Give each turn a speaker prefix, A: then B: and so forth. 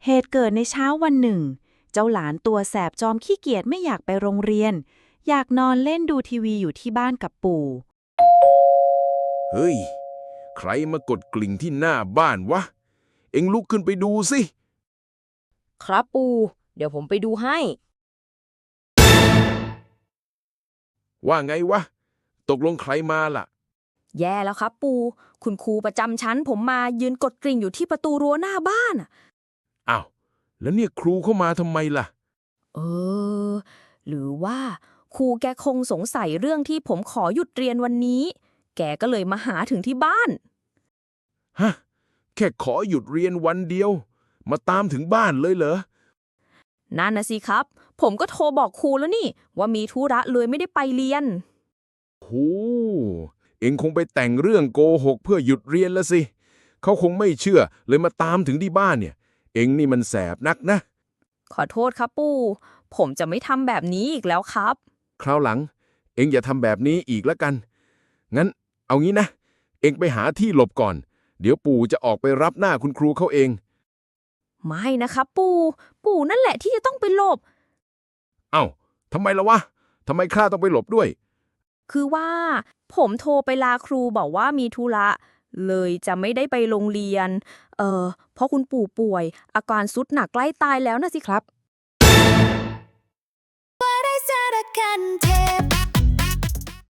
A: เหตุเกิดในเช้าวันหนึ่งเจ้าหลานตัวแสบจอมขี้เกียจไม่อยากไปโรงเรียนอยากนอนเล่นดูทีวีอยู่ที่บ้านกับปู่
B: เฮ้ย ใครมากดกลิ่งที่หน้าบ้านวะ เอ็งลุกขึ้นไปดูสิ
C: ครับปู่เดี๋ยวผมไปดูให้
B: ว่าไงวะ ตกลงใครมาล่ะ
C: แย่แล้วครับปู่คุณครูประจำชั้นผมมายืนกดกริ่งอยู่ที่ประตูรั้วหน้าบ้านอะ
B: อ้าว แล้วเนี่ยครูเข้ามาทำไมล่ะ
C: เออ หรือว่าครูแกคงสงสัยเรื่องที่ผมขอหยุดเรียนวันนี้ แกก็เลยมาหาถึงที่บ้าน
B: ฮะ แค่ขอหยุดเรียนวันเดียว มาตามถึงบ้านเลยเหรอ
C: นั่นนะสิครับ ผมก็โทรบอกครูแล้วนี่ ว่ามีธุระเลยไม่ได้ไปเรียน
B: โห เอ็งคงไปแต่งเรื่องโกหกเพื่อหยุดเรียนละสิ เขาคงไม่เชื่อเลยมาตามถึงที่บ้านเนี่ย เอ็งนี่มันแสบนักนะ
C: ขอโทษครับปู่ผมจะไม่ทำแบบนี้อีกแล้วครับ
B: คราวหลัง เอ็งอย่าทำแบบนี้อีกแล้วกัน งั้นเอางี้นะ เอ็งไปหาที่หลบก่อน เดี๋ยวปู่จะออกไปรับหน้าคุณครูเขาเอง
C: ไม่นะครับปู่นั่นแหละที่จะต้องไปหลบ
B: เอ้าทำไมล่ะวะ ทำไมข้าต้องไปหลบด้วย
C: คือว่า ผมโทรไปลาครูบอกว่ามีธุระเลยจะไม่ได้ไปโรงเรียน เพราะคุณปู่ป่วย อาการทรุดหนักใกล้ตายแล้วนะสิครับ
D: What I said I can take